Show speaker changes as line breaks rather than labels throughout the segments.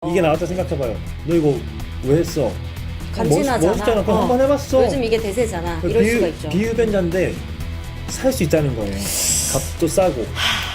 이게 나왔다 생각해봐요. 너 이거 왜 했어?
간지나잖아.
멋있잖아. 그럼 한번 해봤어.
요즘 이게 대세잖아. 이럴 수가 있죠.
비흡연자인데 살 수 있다는 거예요. 값도 싸고.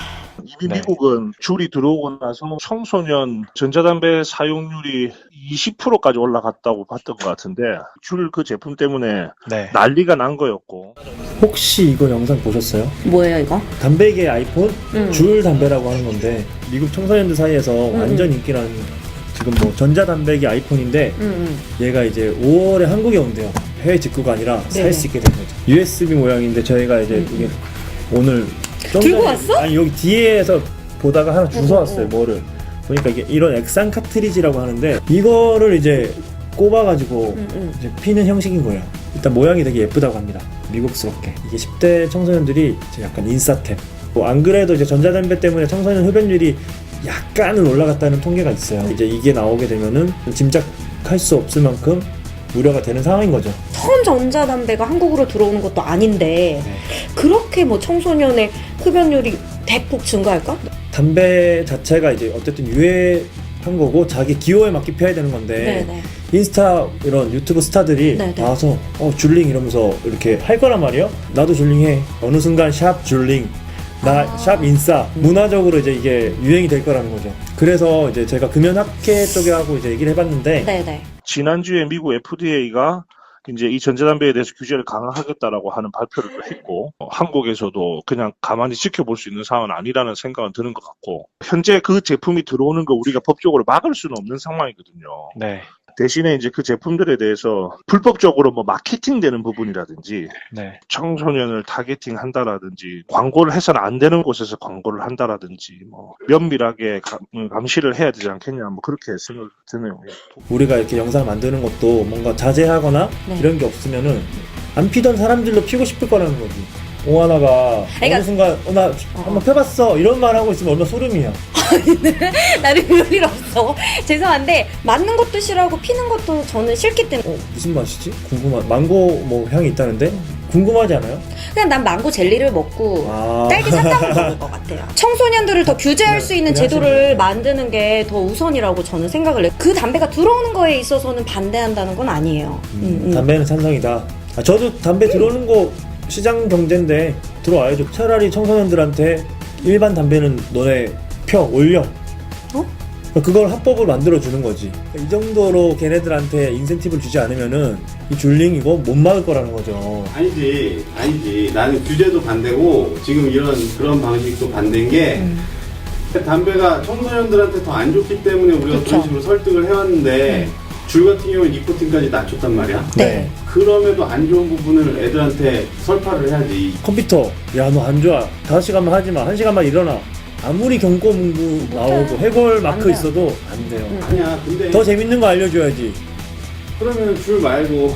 이미 미국은 줄이 들어오고 나서 청소년 전자담배 사용률이 20%까지 올라갔다고 봤던 것 같은데 줄 그 제품 때문에 난리가 난 거였고.
혹시 이거 영상 보셨어요?
뭐예요 이거?
담배계 아이폰? 줄 담배라고 하는 건데 미국 청소년들 사이에서 완전 인기라는 지금 뭐 전자담배기 아이폰인데 얘가 이제 5월에 한국에 온대요. 해외 직구가 아니라 살 수 있게 된 거죠. USB 모양인데 저희가 이제 이게 오늘
들고 왔어?
아니 여기 뒤에서 보다가 하나 주워왔어요. 뭐를 보니까 이게 이런 액상 카트리지라고 하는데 이거를 이제 꼽아가지고 이제 피는 형식인 거예요. 일단 모양이 되게 예쁘다고 합니다. 미국스럽게. 이게 10대 청소년들이 이제 약간 인싸템. 뭐 안 그래도 이제 전자담배 때문에 청소년 흡연율이 약간은 올라갔다는 통계가 있어요. 이제 이게 나오게 되면은 짐작할 수 없을 만큼 우려가 되는 상황인 거죠.
처음 전자담배가 한국으로 들어오는 것도 아닌데 그렇게 뭐 청소년의 흡연율이 대폭 증가할까?
담배 자체가 이제 어쨌든 유해한 거고 자기 기호에 맞게 피워야 되는 건데
네네.
인스타 이런 유튜브 스타들이 나와서 줄링 이러면서 이렇게 할 거란 말이에요. 나도 줄링해. 어느 순간 샵 줄링 나 샵 인싸 문화적으로 이제 이게 유행이 될 거라는 거죠. 그래서 이제 제가 금연학회 쪽에 하고 이제 얘기를 해봤는데
네네.
지난주에 미국 FDA가 이제 이 전자담배에 대해서 규제를 강화하겠다라고 하는 발표를 또 했고 한국에서도 그냥 가만히 지켜볼 수 있는 상황은 아니라는 생각은 드는 것 같고 현재 그 제품이 들어오는 거 우리가 법적으로 막을 수는 없는 상황이거든요.
네.
대신에 이제 그 제품들에 대해서 불법적으로 뭐 마케팅되는 부분이라든지 청소년을 타겟팅 한다라든지 광고를 해서는 안 되는 곳에서 광고를 한다라든지 뭐 면밀하게 감시를 해야 되지 않겠냐 뭐 그렇게 생각이 드네요.
우리가 이렇게 영상 만드는 것도 뭔가 자제하거나 이런 게 없으면은 안 피던 사람들도 피고 싶을 거라는 거지. 오하나가 어느 순간 나 한번 펴봤어 이런 말 하고 있으면 얼마나 소름이야.
나는 별일 없어. 죄송한데 맞는 것도 싫어하고 피는 것도 저는 싫기 때문에.
무슨 맛이지? 망고 뭐 향이 있다는데? 궁금하지 않아요?
그냥 난 망고 젤리를 먹고 딸기 사탕을 먹을 것 같아요. 청소년들을 더 규제할 수 있는 제도를 만드는 게 더 우선이라고 저는 생각을 해요. 그 담배가 들어오는 거에 있어서는 반대한다는 건 아니에요.
담배는 찬성이다. 저도 담배 들어오는 거 시장 경제인데 들어와야죠. 차라리 청소년들한테 일반 담배는 너네 올려. 그걸 합법을 만들어주는 거지. 이 정도로 걔네들한테 인센티브를 주지 않으면은 이 줄링 이거 못 막을 거라는 거죠.
아니지. 나는 규제도 반대고 지금 그런 방식도 반대인 게 담배가 청소년들한테 더 안 좋기 때문에 우리가 그런 식으로 설득을 해왔는데 줄 같은 경우에 니코틴까지 낮췄단 말이야.
네.
그럼에도 안 좋은 부분을 애들한테 설파를 해야지.
컴퓨터 야 너 안 좋아 5시간만 하지마 1시간만 일어나 아무리 경고 문구 나오고 해골 마크 있어도 안 돼요.
아니야. 근데
더 재밌는 거 알려줘야지.
그러면 줄 말고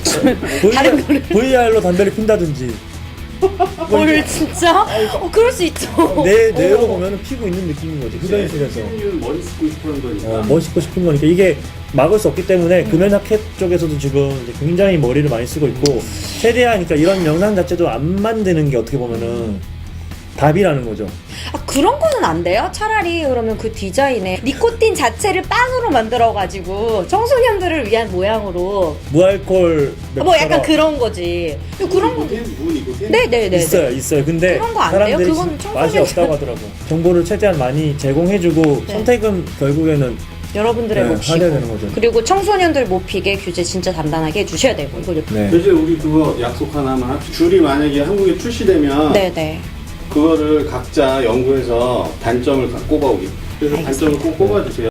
VR로 담배를 핀다든지.
뭘 진짜? 그럴 수 있죠.
내로 보면 피고 있는 느낌인 거지. 흡연실에서
멋있고 싶은 거니까.
멋있고 싶은 거니까 이게 막을 수 없기 때문에 금연학회 쪽에서도 지금 이제 굉장히 머리를 많이 쓰고 있고 최대한 그러니까 이런 영상 자체도 안 만드는 게 어떻게 보면은 답이라는 거죠.
그런 거는 안 돼요? 차라리 그러면 그 디자인에 니코틴 자체를 빵으로 만들어가지고 청소년들을 위한 모양으로
무알콜
뭐 약간 그런 거지. 그런 거 네네네
있어요. 근데
그런 거 안 돼요?
사람들이
그건
맛이 없다고 하더라고. 정보를 최대한 많이 제공해주고 선택은 결국에는
여러분들의 몫이고
하셔야 되는 거죠.
그리고 청소년들 못 피게 규제 진짜 단단하게 해주셔야 되고 이거
대신 우리 그거 약속 하나만 합시다. 줄이 만약에 한국에 출시되면
네네
그거를 각자 연구해서 단점을 꼽아오기. 그래서 단점을 꼭 꼽아주세요.